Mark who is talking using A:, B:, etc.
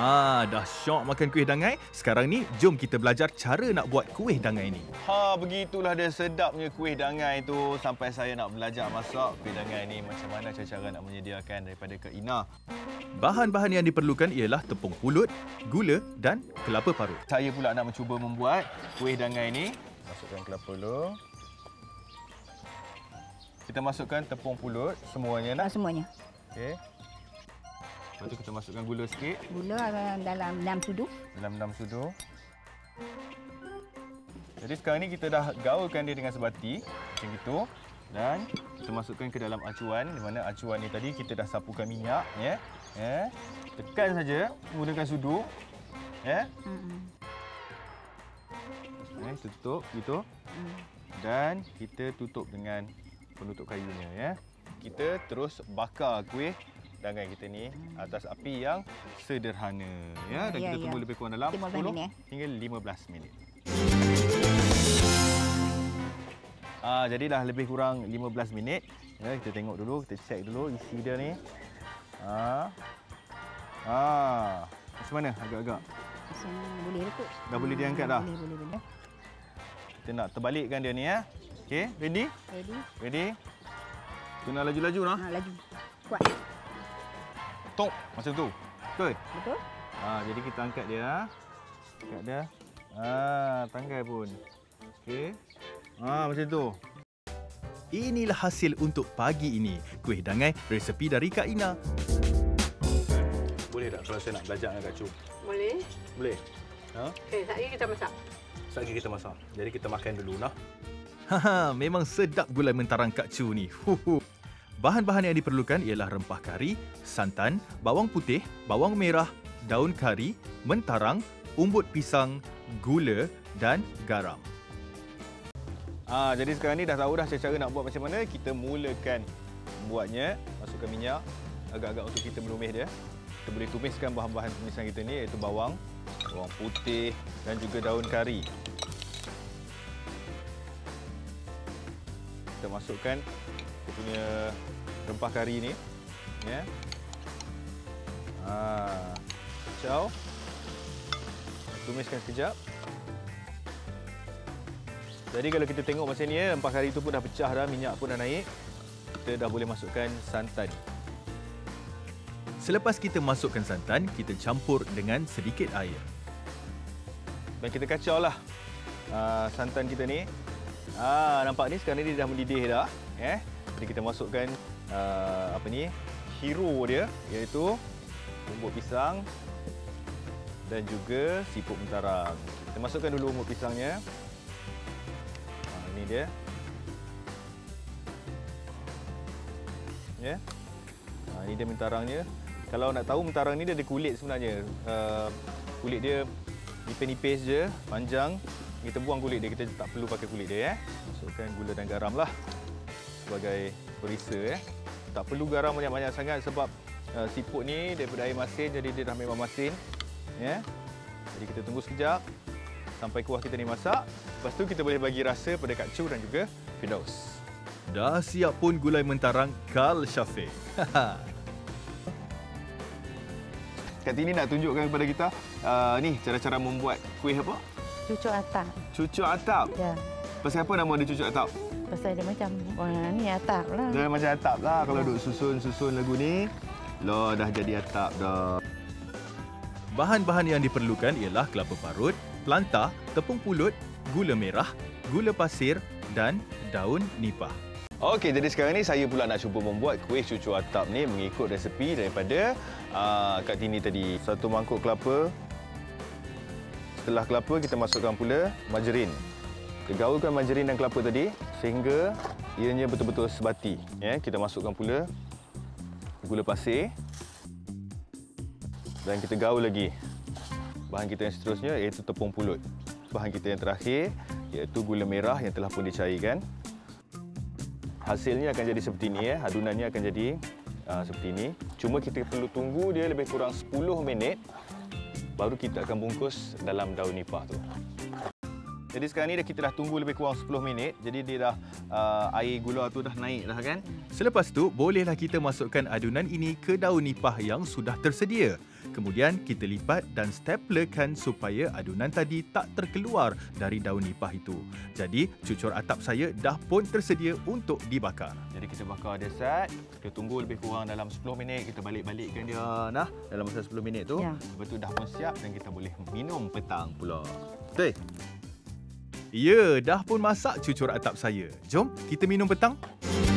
A: Dah syok makan kuih dangai. Sekarang ni, jom kita belajar cara nak buat kuih dangai ni.
B: Begitulah dia sedapnya kuih dangai tu. Sampai saya nak belajar masak kuih dangai ni. Macam mana cara nak menyediakan daripada Kak Ina.
A: Bahan-bahan yang diperlukan ialah tepung pulut, gula dan kelapa parut.
B: Saya pula nak mencuba membuat kuih dangai ni. Masukkan kelapa dulu. Kita masukkan tepung pulut semuanya nak?
C: Semuanya.
B: Okey. Lepas tu kita masukkan gula sikit.
C: Gula dalam 6 sudu.
B: Dalam 6 sudu. Jadi sekarang ni kita dah gaulkan dia dengan sebati. Macam itu. Dan kita masukkan ke dalam acuan. Di mana acuan ni tadi kita dah sapukan minyak. Tekan saja menggunakan sudu. Tutup gitu. Dan kita tutup dengan penutup kayunya. Kita terus bakar kuih dangai kita ni atas api yang sederhana. Dan kita tunggu lebih kurang dalam 10 hingga 15 minit. Jadi dah lebih kurang 15 minit. Kita tengok dulu, kita cek dulu isi dia ni. Macam mana agak-agak?
C: Boleh kot.
B: Dah boleh diangkat dah?
C: Boleh.
B: Kita nak terbalikkan dia ni. Okey, ready? Ready? Kena laju-laju lah.
C: Laju. Kuat.
B: Tok macam tu. Betul?
C: Betul.
B: Jadi kita angkat dia. Angkat dia. Tanggai pun. Okey. Macam tu.
A: Inilah hasil untuk pagi ini. Kuih dangai resepi dari Kak Ina.
B: Boleh tak kalau saya nak belajar dengan Kak Chu?
D: Boleh.
B: Boleh?
D: Okey, sekejap lagi kita masak.
B: Sekejap lagi kita masak. Jadi kita makan dulu lah.
A: Memang sedap gulai mentarang Kak Chu ni. Bahan-bahan yang diperlukan ialah rempah kari, santan, bawang putih, bawang merah, daun kari, mentarang, umbut pisang, gula dan garam.
B: Jadi sekarang ni dah tahu dah cara nak buat macam mana. Kita mulakan membuatnya. Masukkan minyak agak-agak untuk kita menumis dia. Kita boleh tumiskan bahan-bahan tumisan kita ni iaitu bawang putih dan juga daun kari. Kita masukkan kita punya rempah kari ni. Kacau. Tumiskan sekejap. Jadi kalau kita tengok macam ni, rempah kari tu pun dah pecah dah, minyak pun dah naik. Kita dah boleh masukkan santan.
A: Selepas kita masukkan santan, kita campur dengan sedikit air.
B: Dan kita kacau lah santan kita ni. Nampak ni sekarang ni dia dah mendidih dah. Jadi kita masukkan hero dia iaitu umbut pisang dan juga siput mentarang. Kita masukkan dulu umbut pisangnya. Ini dia. Ini dia mentarangnya. Kalau nak tahu mentarang ni dia ada kulit sebenarnya. Kulit dia nipis-nipis je, panjang. Kita buang kulit dia, kita tak perlu pakai kulit dia. Masukkan gula dan garam lah sebagai perisa. Tak perlu garam banyak-banyak sangat sebab siput ni daripada air masin, jadi dia dah memang masin. Jadi kita tunggu sekejap sampai kuah kita ni masak. Lepas tu kita boleh bagi rasa pada Kak Chu dan juga Firdaus.
A: Dah siap pun gulai mentarang Kal Syafiq.
B: Kak Tini nak tunjukkan kepada kita ni cara-cara membuat kuih apa?
D: Cucuk atap.
B: Cucuk atap?
D: Ya.
B: Pasal apa nama dia cucuk atap?
D: Pasal dia macam ni atap lah.
B: Dia macam atap lah. Kalau duk susun lagu ni, dah jadi atap dah.
A: Bahan-bahan yang diperlukan ialah kelapa parut, pelantah, tepung pulut, gula merah, gula pasir dan daun nipah.
B: Okey, jadi sekarang ni saya pula nak cuba membuat kuih cucuk atap ni mengikut resepi daripada Kak Tini tadi. 1 mangkuk kelapa. Setelah kelapa, kita masukkan pula margarin. Kita gaulkan margarin dan kelapa tadi sehingga ianya betul-betul sebati. Kita masukkan pula gula pasir. Dan kita gaul lagi. Bahan kita yang seterusnya iaitu tepung pulut. Bahan kita yang terakhir iaitu gula merah yang telah pun dicairkan. Hasilnya akan jadi seperti ini. Adunannya akan jadi seperti ini. Cuma kita perlu tunggu dia lebih kurang 10 minit. Baru kita akan bungkus dalam daun nipah tu. Jadi sekarang ni kita dah tunggu lebih kurang 10 minit. Jadi dia dah air gula tu dah naik dah kan.
A: Selepas tu, bolehlah kita masukkan adunan ini ke daun nipah yang sudah tersedia. Kemudian kita lipat dan staplerkan supaya adunan tadi tak terkeluar dari daun nipah itu. Jadi cucur atap saya dah pun tersedia untuk dibakar.
B: Jadi kita bakar dia set. Kita tunggu lebih kurang dalam 10 minit. Kita balik-balikkan dia dalam masa 10 minit tu.
D: Ya.
B: Lepas tu dah pun siap dan kita boleh minum petang pula. Betul?
A: Ya, dah pun masak cucur atap saya. Jom kita minum petang.